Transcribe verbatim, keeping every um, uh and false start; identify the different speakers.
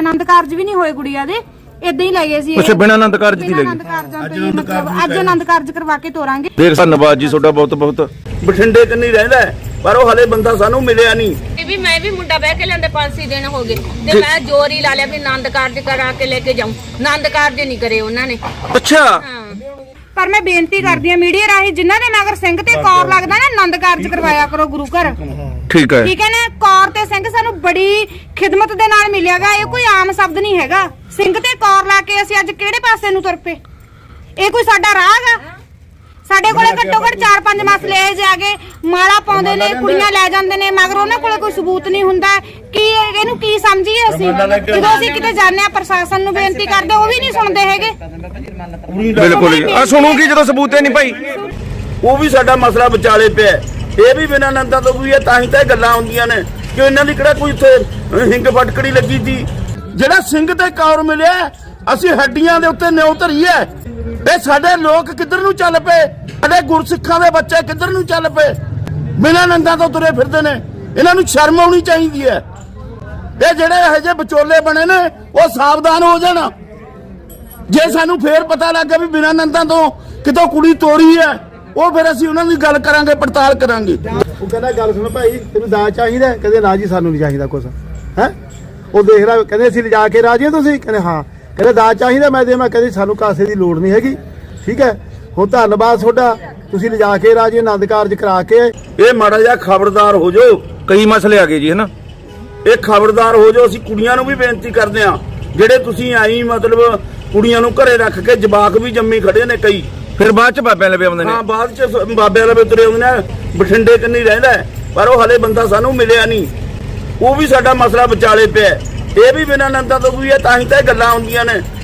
Speaker 1: ਆਨੰਦ ਕਾਰਜ ਵੀ ਨਹੀਂ ਹੋਏ ਗੁੜੀਆ ਦੇ, ਇਦਾਂ ਹੀ ਲੈ ਗਏ ਸੀ।
Speaker 2: ਅੱਛਾ, ਬਿਨਾਂ ਆਨੰਦ ਕਾਰਜ ਦੀ ਲੈ
Speaker 1: ਆਨੰਦ ਕਾਰਜਾਂ ਤੋਂ ਮਤਲਬ ਅੱਜ ਆਨੰਦ ਕਾਰਜ ਕਰਵਾ ਕੇ ਤੋਰਾਂਗੇ।
Speaker 2: ਦੇਖ ਧੰਨਵਾਦ ਜੀ ਤੁਹਾਡਾ ਬਹੁਤ ਬਹੁਤ।
Speaker 3: ਬਠਿੰਡੇ ਕੰਨੀ ਰਹਿੰਦਾ ਪਰ ਉਹ ਹਲੇ ਬੰਦਾ ਸਾਨੂੰ ਮਿਲਿਆ ਨਹੀਂ।
Speaker 4: ਇਹ ਵੀ ਮੈਂ ਵੀ ਮੁੰਡਾ ਬਹਿ ਕੇ ਲੈਂਦੇ ਪੰਜ ਛੇ ਦਿਨ ਹੋ ਗਏ ਤੇ ਮੈਂ ਜ਼ੋਰ ਹੀ ਲਾ ਲਿਆ ਵੀ ਆਨੰਦ ਕਾਰਜ ਕਰਾ ਕੇ ਲੈ ਕੇ ਜਾਉਂ। ਆਨੰਦ ਕਾਰਜ ਨਹੀਂ ਕਰੇ ਉਹਨਾਂ ਨੇ।
Speaker 2: ਅੱਛਾ,
Speaker 1: ਪਰ ਮੈਂ ਬੇਨਤੀ ਕਰਦੀ ਆ ਮੀਡੀਆ ਰਾਹੀਂ ਜਿਨ੍ਹਾਂ ਦੇ ਮਗਰ ਸਿੰਘ ਤੇ ਕੌਰ ਲੱਗਦਾ ਨਾ ਆਨੰਦ ਕਾਰਜ ਕਰਵਾਇਆ ਕਰੋ ਗੁਰੂ ਘਰ।
Speaker 2: ਠੀਕ ਹੈ
Speaker 1: ਠੀਕ ਹੈ ਨਾ। ਕੌਰ ਤੇ ਸਿੰਘ ਸਾਨੂੰ ਬੜੀ ਖਿਦਮਤ ਦੇ ਨਾਲ ਮਿਲਿਆਗਾ, ਇਹ ਕੋਈ ਆਮ ਸ਼ਬਦ ਨਹੀਂ ਹੈਗਾ। ਸਿੰਘ ਤੇ ਕੌਰ ਲਾ ਕੇ ਅਸੀਂ ਅੱਜ ਕਿਹੜੇ ਪਾਸੇ ਨੂੰ ਤੁਰ ਪਏ? ਇਹ ਕੋਈ ਸਾਡਾ ਰਾਹ ਹੈਗਾ? ਸਾਡੇ ਕੋਲੇ ਘੱਟੋ ਘੱਟ ਚਾਰ ਪੰਜ ਮਸਲੇ ਇਹ ਜਾ ਕੇ ਮਾਲਾ ਪਾਉਂਦੇ ਨੇ, ਕੁੜੀਆਂ ਲੈ ਜਾਂਦੇ ਨੇ, ਮਗਰ ਉਹਨਾਂ ਕੋਲੇ ਕੋਈ ਸਬੂਤ ਨਹੀਂ ਹੁੰਦਾ। ਕੀ ਇਹਨੂੰ ਕੀ ਸਮਝੀਏ ਅਸੀਂ? ਜਦੋਂ ਅਸੀਂ ਕਿਤੇ ਜਾਂਦੇ ਆ ਪ੍ਰਸ਼ਾਸਨ ਨੂੰ ਬੇਨਤੀ ਕਰਦੇ ਉਹ ਵੀ ਨਹੀਂ ਸੁਣਦੇ ਹੈਗੇ।
Speaker 2: ਬਿਲਕੁਲ ਜੀ। ਆ ਸੁਣੂਗੀ ਜਦੋਂ ਸਬੂਤ ਹੈ ਨਹੀਂ ਭਾਈ,
Speaker 3: ਉਹ ਵੀ ਸਾਡਾ ਮਸਲਾ ਵਿਚਾਲੇ ਪਿਆ। ਇਹ ਵੀ ਬਿਨਾਂ ਨੰਦਾਂ ਤੋਂ ਵੀ ਹੈ, ਤਾਂ ਹੀ ਤਾਂ ਇਹ ਗੱਲਾਂ ਹੁੰਦੀਆਂ ਨੇ ਕਿ ਇਹਨਾਂ ਦੀ ਕਿਹੜਾ ਕੋਈ ਉੱਥੇ ਹਿੰਗ ਫਟਕੜੀ ਲੱਗੀ ਸੀ। ਜਿਹੜਾ ਸਿੰਘ ਤੇ ਕੌਰ ਮਿਲਿਆ ਅਸੀਂ ਹੱਡੀਆਂ ਦੇ ਉੱਤੇ ਨਿਉ ਧਰੀਏ। ਇਹ ਸਾਡੇ ਲੋਕ ਕਿੱਧਰ ਨੂੰ ਚੱਲ ਪਏ? ਸਾਡੇ ਗੁਰਸਿੱਖਾਂ ਦੇ ਬੱਚੇ ਕਿੱਧਰ ਨੂੰ ਚੱਲ ਪਏ? ਬਿਨਾਂ ਨੰਦਾਂ ਤੋਂ ਤੁਰੇ ਫਿਰਦੇ ਨੇ। ਇਹਨਾਂ ਨੂੰ ਸ਼ਰਮ ਆਉਣੀ ਚਾਹੀਦੀ ਹੈ। ਇਹ ਜਿਹੜੇ ਇਹੋ ਜਿਹੇ ਵਿਚੋਲੇ ਬਣੇ ਨੇ ਉਹ ਸਾਵਧਾਨ ਹੋ ਜਾਣ। ਜੇ ਸਾਨੂੰ ਫੇਰ ਪਤਾ ਲੱਗਾ ਵੀ ਬਿਨਾਂ ਨੰਦਾਂ ਤੋਂ ਕਿਤੋਂ ਕੁੜੀ ਤੋਰੀ ਹੈ, ਉਹ ਫਿਰ ਅਸੀਂ ਉਹਨਾਂ ਦੀ ਗੱਲ ਕਰਾਂਗੇ, ਪੜਤਾਲ ਕਰਾਂਗੇ।
Speaker 5: ਉਹ ਕਹਿੰਦਾ ਗੱਲ ਸੁਣ ਭਾਈ, ਤੈਨੂੰ ਦਾਜ ਚਾਹੀਦਾ? ਕਹਿੰਦੇ ਨਾ ਜੀ ਸਾਨੂੰ ਨਹੀਂ ਚਾਹੀਦਾ ਕੁਛ। ਹੈ ਉਹ ਦੇਖ ਲੈ, ਕਹਿੰਦੇ ਅਸੀਂ ਲਿਜਾ ਕੇ ਰਾਜੀ ਤੁਸੀਂ? ਕਹਿੰਦੇ ਹਾਂ। ਕਹਿੰਦੇ ਦਾਜ ਚਾਹੀਦਾ? ਮੈਂ ਦੇ ਮੈਂ ਕਹਿੰਦੇ ਸਾਨੂੰ ਕਾਸੇ ਦੀ ਲੋੜ ਨਹੀਂ ਹੈਗੀ। ਠੀਕ ਹੈ, ਹੁਣ ਧੰਨਵਾਦ ਤੁਹਾਡਾ, ਤੁਸੀਂ ਲਿਜਾ ਕੇ ਰਾਜੀ ਆਨੰਦ ਕਾਰਜ ਕਰਾ ਕੇ।
Speaker 3: ਇਹ ਮਾੜਾ ਜਿਹਾ ਖਬਰਦਾਰ ਹੋ ਜਾਓ।
Speaker 2: ਕਈ ਮਸਲੇ ਆ ਗਏ ਜੀ, ਹੈ ਨਾ।
Speaker 3: ਇਹ ਖਬਰਦਾਰ ਹੋ ਜਾਓ। ਅਸੀਂ ਕੁੜੀਆਂ ਨੂੰ ਵੀ ਬੇਨਤੀ ਕਰਦੇ ਆ, ਜਿਹੜੇ ਤੁਸੀਂ ਆਈ ਮਤਲਬ ਕੁੜੀਆਂ ਨੂੰ ਘਰੇ ਰੱਖ ਕੇ ਜਵਾਕ ਵੀ ਜੰਮੀ ਖੜੇ ਨੇ ਕਈ,
Speaker 2: ਫਿਰ ਬਾਅਦ ਚ ਬਾਬਿਆਂ ਲਵੇ ਆਉਂਦੇ ਨੇ।
Speaker 3: ਹਾਂ ਬਾਅਦ ਚ ਬਾਬਿਆਂ ਲਵੇ ਤੁਰੇ ਆਉਂਦੇ ਨੇ। ਬਠਿੰਡੇ ਕੰਨੀ ਰਹਿੰਦਾ ਪਰ ਉਹ ਹਲੇ ਬੰਦਾ ਸਾਨੂੰ ਮਿਲਿਆ ਨਹੀਂ। ਉਹ ਵੀ ਸਾਡਾ ਮਸਲਾ ਵਿਚਾਲੇ ਪਿਆ। ਇਹ ਵੀ ਬਿਨਾਂ ਨੰਦਾਂ ਤੋਂ ਵੀ ਹੈ, ਤਾਂ ਹੀ ਤਾਂ ਇਹ ਗੱਲਾਂ ਹੁੰਦੀਆਂ ਨੇ।